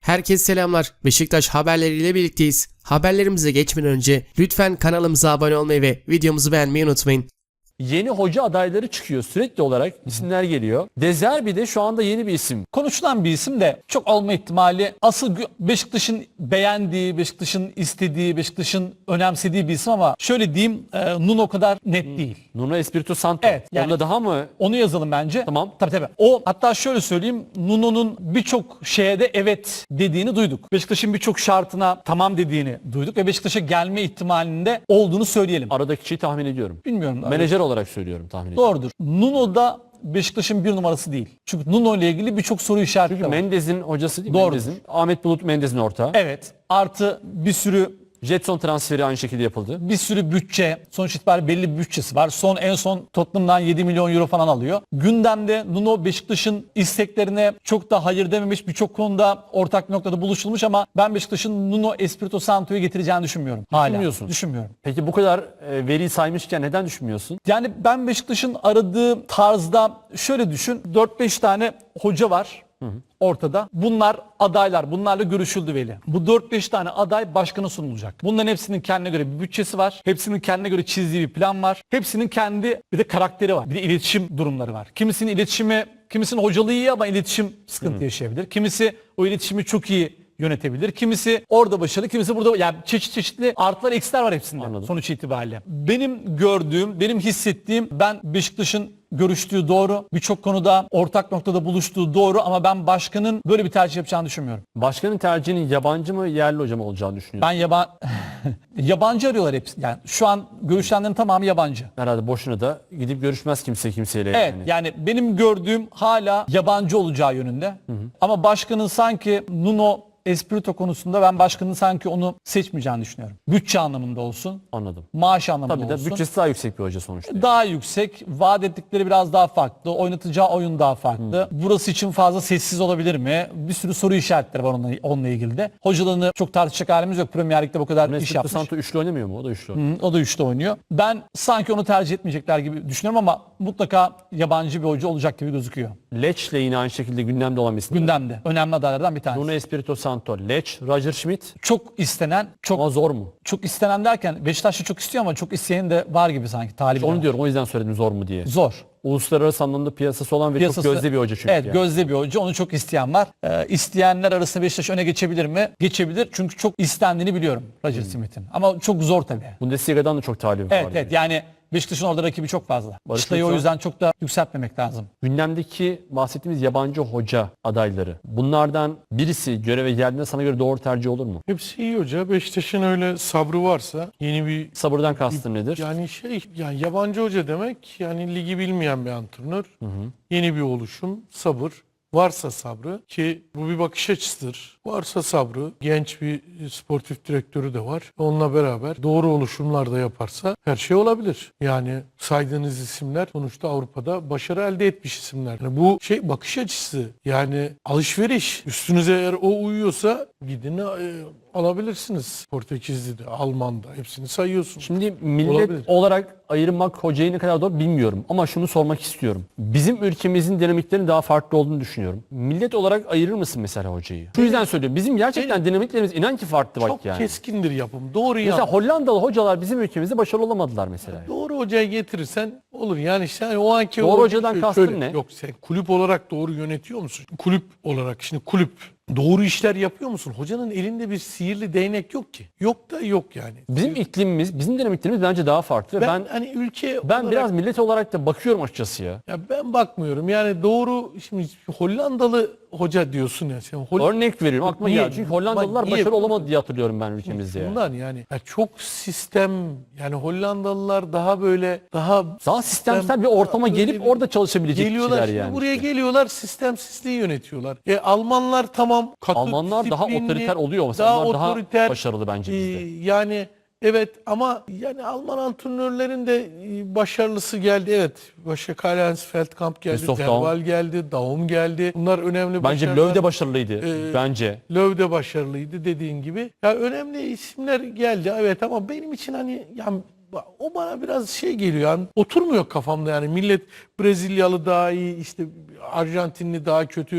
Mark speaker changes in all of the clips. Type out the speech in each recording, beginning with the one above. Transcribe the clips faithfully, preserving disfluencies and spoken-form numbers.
Speaker 1: Herkese selamlar. Beşiktaş haberleriyle birlikteyiz. Haberlerimize geçmeden önce lütfen kanalımıza abone olmayı ve videomuzu beğenmeyi unutmayın.
Speaker 2: Yeni hoca adayları çıkıyor. Sürekli olarak isimler geliyor. De Zerbi de şu anda yeni bir isim.
Speaker 3: Konuşulan bir isim de çok olma ihtimali asıl Beşiktaş'ın beğendiği, Beşiktaş'ın istediği, Beşiktaş'ın önemsediği bir isim ama şöyle diyeyim e, Nuno kadar net değil.
Speaker 2: Nuno Espirito Santo.
Speaker 3: Evet, yani-
Speaker 2: Onda daha mı?
Speaker 3: Onu yazalım bence.
Speaker 2: Tamam.
Speaker 3: Tabii tabii. O hatta şöyle söyleyeyim, Nuno'nun birçok şeye de evet dediğini duyduk. Beşiktaş'ın birçok şartına tamam dediğini duyduk ve Beşiktaş'a gelme ihtimalinde olduğunu söyleyelim.
Speaker 2: Aradaki kişiyi tahmin ediyorum.
Speaker 3: Bilmiyorum.
Speaker 2: Menajer olarak söylüyorum tahmin ediyorum.
Speaker 3: Doğrudur. Nuno da Beşiktaş'ın bir numarası değil. Çünkü Nuno ile ilgili birçok soru işareti
Speaker 2: Çünkü
Speaker 3: var.
Speaker 2: Mendez'in hocası değil mi?
Speaker 3: Doğrudur.
Speaker 2: Mendez'in. Ahmet Bulut Mendez'in ortağı.
Speaker 3: Evet. Artı bir sürü
Speaker 2: Jetson transferi aynı şekilde yapıldı.
Speaker 3: bir sürü bütçe, sonuç itibariyle belli bir bütçesi var. Son en son Tottenham'dan yedi milyon euro falan alıyor. Gündemde Nuno Beşiktaş'ın isteklerine çok da hayır dememiş. Birçok konuda ortak bir noktada buluşulmuş ama ben Beşiktaş'ın Nuno Espirito Santo'yu getireceğini düşünmüyorum. Hala.
Speaker 2: Düşünmüyorsun.
Speaker 3: Düşünmüyorum.
Speaker 2: Peki bu kadar e, veriyi saymışken neden düşünmüyorsun?
Speaker 3: Yani ben Beşiktaş'ın aradığı tarzda şöyle düşün. dört beş tane hoca var. Ortada. Bunlar adaylar. Bunlarla görüşüldü Veli. Bu dört beş tane aday başkana sunulacak. Bunların hepsinin kendine göre bir bütçesi var. Hepsinin kendine göre çizdiği bir plan var. Hepsinin kendi bir de karakteri var. Bir de iletişim durumları var. Kimisinin iletişimi, kimisinin hocalığı iyi ama iletişim sıkıntı yaşayabilir. Kimisi o iletişimi çok iyi yönetebilir. Kimisi orada başarılı, kimisi burada. Yani çeşit çeşitli artılar eksiler var hepsinde.
Speaker 2: Anladım.
Speaker 3: Sonuç itibariyle. Benim gördüğüm, benim hissettiğim, ben Beşiktaş'ın görüştüğü doğru. Birçok konuda ortak noktada buluştuğu doğru ama ben başkanın böyle bir tercih yapacağını düşünmüyorum.
Speaker 2: Başkanın tercihinin yabancı mı yerli hoca mı olacağını düşünüyorum.
Speaker 3: Ben yaban yabancı arıyorlar hepsi. Yani şu an görüşenlerin tamamı yabancı.
Speaker 2: Herhalde boşuna da gidip görüşmez kimse kimseyle.
Speaker 3: Evet
Speaker 2: yani.
Speaker 3: yani benim gördüğüm hala yabancı olacağı yönünde. Ama başkanın sanki Nuno Espirito konusunda ben başkanın sanki onu seçmeyeceğini düşünüyorum. Bütçe anlamında olsun,
Speaker 2: Anladım.
Speaker 3: maaş anlamında
Speaker 2: Tabii de
Speaker 3: olsun.
Speaker 2: bütçesi daha yüksek bir hoca sonuçta.
Speaker 3: Daha yüksek, vaat ettikleri biraz daha farklı, oynatacağı oyun daha farklı. Burası için fazla sessiz olabilir mi? Bir sürü soru işaretleri var onunla, onunla ilgili de. Hocalarını çok tartışacak halimiz yok. Premier Lig'de bu kadar iş
Speaker 2: Espirito
Speaker 3: yapmış.
Speaker 2: Santo üçlü oynamıyor mu? O da üçlü oynuyor.
Speaker 3: Hı, o da üçte oynuyor. Ben sanki onu tercih etmeyecekler gibi düşünüyorum ama mutlaka yabancı bir hoca olacak gibi gözüküyor.
Speaker 2: Leç'le yine aynı şekilde gündemde olan bir isim.
Speaker 3: Gündemde. Önemli adaylardan bir tanesi.
Speaker 2: Nuno Espirito Santo, Leç, Roger Schmidt.
Speaker 3: Çok istenen, çok
Speaker 2: Ama zor mu?
Speaker 3: çok istenen derken Beşiktaş'ta çok istiyor ama çok isteyen de var gibi sanki. Talibi de
Speaker 2: Onu
Speaker 3: var.
Speaker 2: diyorum, o yüzden söyledim zor mu diye.
Speaker 3: Zor.
Speaker 2: Uluslararası anlamda piyasası olan ve
Speaker 3: Piyasası-
Speaker 2: çok gözde bir hoca çünkü.
Speaker 3: Evet,
Speaker 2: yani.
Speaker 3: gözde bir hoca. Onu çok isteyen var. Ee, isteyenler arasında Beşiktaş öne geçebilir mi? Geçebilir. Çünkü çok istendiğini biliyorum Roger Smith'in. Ama çok zor tabii.
Speaker 2: Bundesliga'dan da çok talibi
Speaker 3: Evet
Speaker 2: var.
Speaker 3: evet. Yani Beşiktaş'ın orada rakibi çok fazla.
Speaker 2: Barış
Speaker 3: Çıtayı o
Speaker 2: Yoksa-
Speaker 3: yüzden çok da yükseltmemek lazım.
Speaker 2: Gündemdeki bahsettiğimiz yabancı hoca adayları. Bunlardan birisi göreve geldiğinde sana göre doğru tercih olur mu?
Speaker 4: Hepsi iyi hoca. Beşiktaş'ın öyle sabrı varsa yeni bir
Speaker 2: Sabırdan kastın nedir?
Speaker 4: yani şey yani yabancı hoca demek yani ligi bilmeyen bir antrenör. Yeni bir oluşum, sabır. Varsa sabrı ki bu bir bakış açısıdır. Varsa sabrı, genç bir sportif direktörü de var. Onunla beraber doğru oluşumlar da yaparsa her şey olabilir. Yani saydığınız isimler sonuçta Avrupa'da başarı elde etmiş isimler. Yani bu şey bakış açısı yani alışveriş. Üstünüze eğer o uyuyorsa gidin e, alabilirsiniz. Portekizli'de, Alman'da hepsini sayıyorsunuz.
Speaker 2: Şimdi millet
Speaker 4: Olabilir.
Speaker 2: olarak ayırmak hocayı ne kadar doğru bilmiyorum. Ama şunu sormak istiyorum. Bizim ülkemizin dinamiklerinin daha farklı olduğunu düşünüyorum. Millet olarak ayırır mısın mesela hocayı? Şu yüzden söylüyorum. Bizim gerçekten dinamiklerimiz inan ki farklı bak
Speaker 4: Çok
Speaker 2: yani.
Speaker 4: keskindir yapım. Doğru
Speaker 2: Mesela
Speaker 4: yanlış.
Speaker 2: Hollandalı hocalar bizim ülkemizde başarılı olamadılar mesela.
Speaker 4: Doğru hocayı getirirsen olur. Yani işte hani o anki
Speaker 2: Doğru
Speaker 4: o-
Speaker 2: hocadan
Speaker 4: şöyle-
Speaker 2: kastın
Speaker 4: şöyle-
Speaker 2: ne?
Speaker 4: Yok sen kulüp olarak doğru yönetiyor musun? Kulüp olarak şimdi kulüp doğru işler yapıyor musun? Hocanın elinde bir sihirli değnek yok ki. Yok da yok yani.
Speaker 2: Bizim iklimimiz, bizim dinamiklerimiz bence daha farklı. Ve
Speaker 4: Ben,
Speaker 2: ben
Speaker 4: hani ülke
Speaker 2: ben
Speaker 4: olarak,
Speaker 2: biraz millet olarak da bakıyorum açıkçası ya.
Speaker 4: ya ben bakmıyorum. Yani doğru şimdi Hollandalı hoca diyorsun ya sen. Hol-
Speaker 2: Örnek veriyorum aklıma
Speaker 4: Niye?
Speaker 2: geldi. Çünkü Hollandalılar
Speaker 4: Niye?
Speaker 2: başarılı olamadı diye hatırlıyorum ben ülkemizde yani.
Speaker 4: Bundan yani ya çok sistem yani Hollandalılar daha böyle daha
Speaker 2: Daha sistemsel bir ortama
Speaker 4: böyle
Speaker 2: gelip
Speaker 4: bir-
Speaker 2: orada çalışabilecek
Speaker 4: geliyorlar
Speaker 2: kişiler
Speaker 4: şimdi
Speaker 2: yani.
Speaker 4: buraya
Speaker 2: işte.
Speaker 4: geliyorlar sistemsizliği yönetiyorlar. E Almanlar tamam katı
Speaker 2: Almanlar daha
Speaker 4: disiplinli,
Speaker 2: otoriter oluyor mesela. Onlar daha
Speaker 4: otoriter,
Speaker 2: başarılı bence
Speaker 4: e,
Speaker 2: bizde.
Speaker 4: yani evet ama yani Alman antrenörlerin de e, başarılısı geldi. Evet. Başka Karl-Heinz Feldkamp geldi.
Speaker 2: Christoph
Speaker 4: Derval geldi. Daum geldi. Bunlar önemli
Speaker 2: Bence
Speaker 4: başarılar.
Speaker 2: Löw de başarılıydı.
Speaker 4: Ee,
Speaker 2: bence.
Speaker 4: Löw de başarılıydı dediğin gibi. Ya önemli isimler geldi evet ama benim için hani yani o bana biraz şey geliyor yani oturmuyor kafamda yani millet Brezilyalı daha iyi işte Arjantinli daha kötü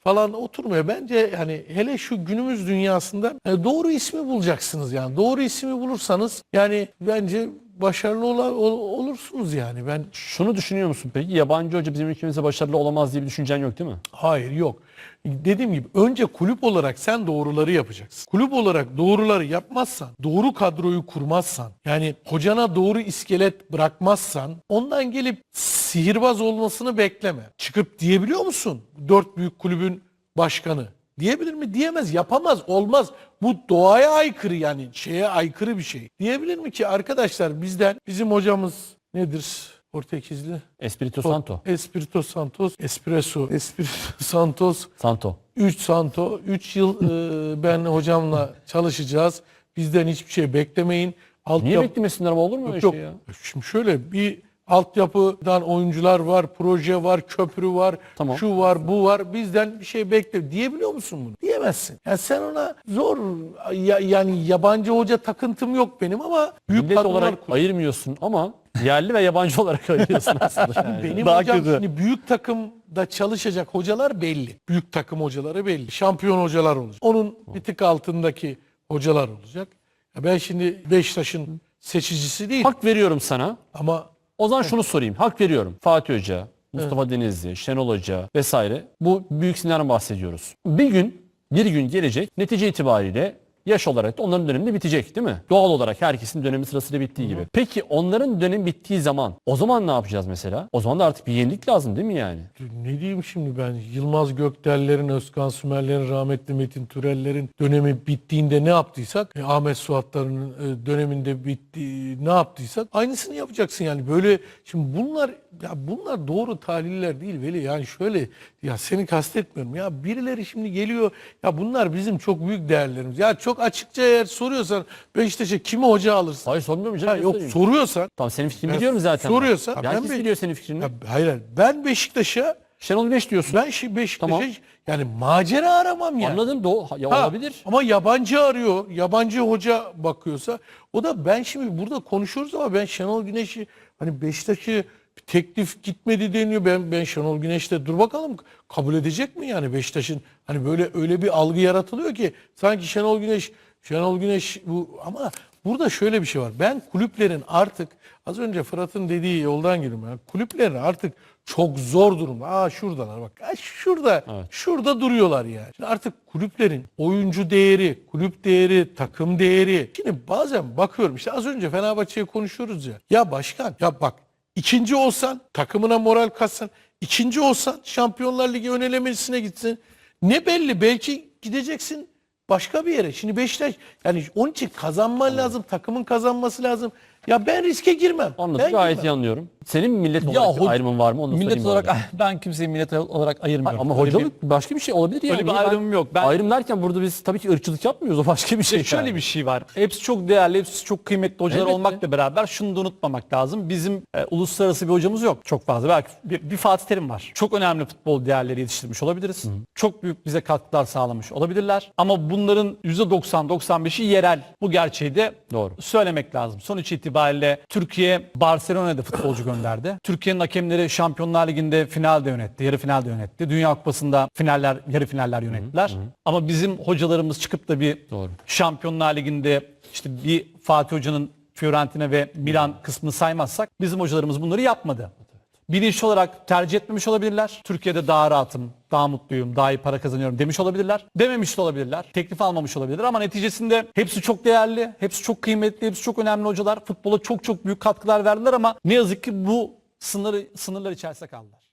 Speaker 4: falan oturmuyor. Bence hani hele şu günümüz dünyasında e, doğru ismi bulacaksınız yani. Doğru ismi bulursanız yani bence başarılı ola- ol- olursunuz yani. Ben
Speaker 2: Şunu düşünüyor musun peki? Yabancı hoca bizim ülkemizde başarılı olamaz diye bir düşüncen yok değil mi?
Speaker 4: hayır yok. Dediğim gibi önce kulüp olarak sen doğruları yapacaksın. Kulüp olarak doğruları yapmazsan, doğru kadroyu kurmazsan, yani hocana doğru iskelet bırakmazsan ondan gelip sihirbaz olmasını bekleme. Çıkıp diyebiliyor musun? Dört büyük kulübün başkanı. Diyebilir mi? Diyemez. Yapamaz. Olmaz. Bu doğaya aykırı yani. Şeye aykırı bir şey. Diyebilir mi ki arkadaşlar bizden bizim hocamız nedir? Portekizli.
Speaker 2: Espirito Santo.
Speaker 4: Espirito Santos. Espresso. Espirito Santos.
Speaker 2: Santo.
Speaker 4: üç Santo. üç yıl e, ben hocamla çalışacağız. Bizden hiçbir şey beklemeyin. Alt
Speaker 2: Niye
Speaker 4: yap-
Speaker 2: beklemesinler ama olur mu öyle
Speaker 4: Yok.
Speaker 2: şey ya?
Speaker 4: Şimdi şöyle bir altyapıdan oyuncular var, proje var, köprü var,
Speaker 2: Tamam.
Speaker 4: şu var, bu var. Bizden bir şey bekle diyebiliyor musun bunu? Diyemezsin. Yani sen ona zor ya- yani yabancı hoca takıntım yok benim ama büyük
Speaker 2: Millet
Speaker 4: kadrolar
Speaker 2: olarak
Speaker 4: kur-
Speaker 2: ayırmıyorsun ama yerli ve yabancı olarak ayırıyorsun aslında. Yani.
Speaker 4: benim
Speaker 2: Daha
Speaker 4: hocam
Speaker 2: kötü.
Speaker 4: şimdi büyük takımda çalışacak hocalar belli. Büyük takım hocaları belli. Şampiyon hocalar olacak. Onun bir tık altındaki hocalar olacak. Ya ben şimdi Beşiktaş'ın seçicisi değil
Speaker 2: Hak veriyorum sana.
Speaker 4: ama
Speaker 2: O zaman şunu sorayım. Hak veriyorum. Fatih Hoca, Mustafa Denizli, Şenol Hoca vesaire. Bu büyük isimlerden bahsediyoruz. Bir gün, bir gün gelecek. Netice itibariyle yaş olarak da onların dönemi de bitecek değil mi? Doğal olarak herkesin dönemi sırasıyla bittiği gibi. Peki onların dönemi bittiği zaman o zaman ne yapacağız mesela? O zaman da artık bir yenilik lazım değil mi yani?
Speaker 4: ne diyeyim şimdi ben Yılmaz Gökdel'lerin, Özkan Sümer'lerin, rahmetli Metin Türel'lerin dönemi bittiğinde ne yaptıysak, e, Ahmet Suat'ların e, döneminde bitti ne yaptıysak aynısını yapacaksın yani. Böyle şimdi bunlar ya bunlar doğru tahliller değil Veli. Yani şöyle ya seni kastetmiyorum ya birileri şimdi geliyor ya bunlar bizim çok büyük değerlerimiz. Ya çok açıkça eğer soruyorsan Beşiktaş'a kimi hoca alırsın?
Speaker 2: Hayır sormuyorum canım.
Speaker 4: Ha, yok
Speaker 2: göstereyim.
Speaker 4: soruyorsan
Speaker 2: Tamam senin fikrini
Speaker 4: Ya
Speaker 2: biliyorum zaten.
Speaker 4: soruyorsa-
Speaker 2: Ya
Speaker 4: Ben
Speaker 2: herkes
Speaker 4: bir-
Speaker 2: biliyor senin fikrini.
Speaker 4: ya, hayır hayır. Ben Beşiktaş'a
Speaker 2: Şenol Güneş diyorsun.
Speaker 4: ben şi- Beşiktaş'a
Speaker 2: Tamam.
Speaker 4: yani macera aramam yani.
Speaker 2: Anladım. Doğu, ya
Speaker 4: Ha,
Speaker 2: olabilir.
Speaker 4: Ama yabancı arıyor, yabancı hoca bakıyorsa o da ben şimdi burada konuşuyoruz ama ben Şenol Güneş'i hani Beşiktaş'ı teklif gitmedi deniyor. Ben ben Şenol Güneş'le dur bakalım kabul edecek mi yani Beşiktaş'ın hani böyle öyle bir algı yaratılıyor ki sanki Şenol Güneş Şenol Güneş bu ama burada şöyle bir şey var. Ben kulüplerin artık az önce Fırat'ın dediği yoldan geliyorum. Yani kulüplerin artık çok zor durumda. Aa şuradalar bak. Aa, şurada şurada duruyorlar yani. Şimdi artık kulüplerin oyuncu değeri, kulüp değeri, takım değeri. Şimdi bazen bakıyorum işte az önce Fenerbahçe'yi konuşuyoruz ya. Ya başkan ya bak ikinci olsan takımına moral katsan, ikinci olsan Şampiyonlar Ligi ön elemesine gitsin. Ne belli belki gideceksin başka bir yere. Şimdi Beşiktaş yani onun için kazanman lazım, takımın kazanması lazım. Ya ben riske girmem.
Speaker 2: Anladım.
Speaker 4: Ben
Speaker 2: Gayet iyi
Speaker 4: girmem.
Speaker 2: anlıyorum. Senin millet
Speaker 3: Ya
Speaker 2: olarak bir
Speaker 3: ho-
Speaker 2: ayrımın var mı? Onu da
Speaker 3: Millet
Speaker 2: sorayım bu
Speaker 3: olarak
Speaker 2: arada.
Speaker 3: ben kimseyi millet olarak ayırmıyorum.
Speaker 2: Ama
Speaker 3: Öyle
Speaker 2: hocalık başka bir şey olabilir yani.
Speaker 3: öyle bir
Speaker 2: Niye ben-
Speaker 3: ayrımım yok. Ben-
Speaker 2: Ayrım derken burada biz tabii ki ırkçılık yapmıyoruz. O başka bir şey.
Speaker 3: Şöyle
Speaker 2: yani.
Speaker 3: bir şey var. Hepsi çok değerli, hepsi çok kıymetli hocalar
Speaker 2: Elbette.
Speaker 3: olmakla beraber şunu da unutmamak lazım. Bizim e, uluslararası bir hocamız yok çok fazla. Belki bir, bir Fatih Terim var. Çok önemli futbol değerleri yetiştirmiş olabiliriz. Çok büyük bize katkılar sağlamış olabilirler. Ama bunların yüzde doksan doksan beşi yerel. Bu gerçeği de
Speaker 2: Doğru.
Speaker 3: söylemek lazım. Sonuç itibariyle Türkiye Barcelona'da futbolcu gönderdi. Türkiye'nin hakemleri Şampiyonlar Ligi'nde finalde yönetti, yarı finalde yönetti. Dünya Kupası'nda finaller, yarı finaller yönettiler. Ama bizim hocalarımız çıkıp da bir
Speaker 2: Doğru.
Speaker 3: Şampiyonlar Ligi'nde işte bir Fatih Hoca'nın Fiorentina ve Milan kısmını saymazsak bizim hocalarımız bunları yapmadı. Bilinçli olarak tercih etmemiş olabilirler. Türkiye'de daha rahatım, daha mutluyum, daha iyi para kazanıyorum demiş olabilirler. Dememiş de olabilirler. Teklif almamış olabilirler ama neticesinde hepsi çok değerli, hepsi çok kıymetli, hepsi çok önemli hocalar. Futbola çok çok büyük katkılar verdiler ama ne yazık ki bu sınır, sınırlar içerisinde kaldılar.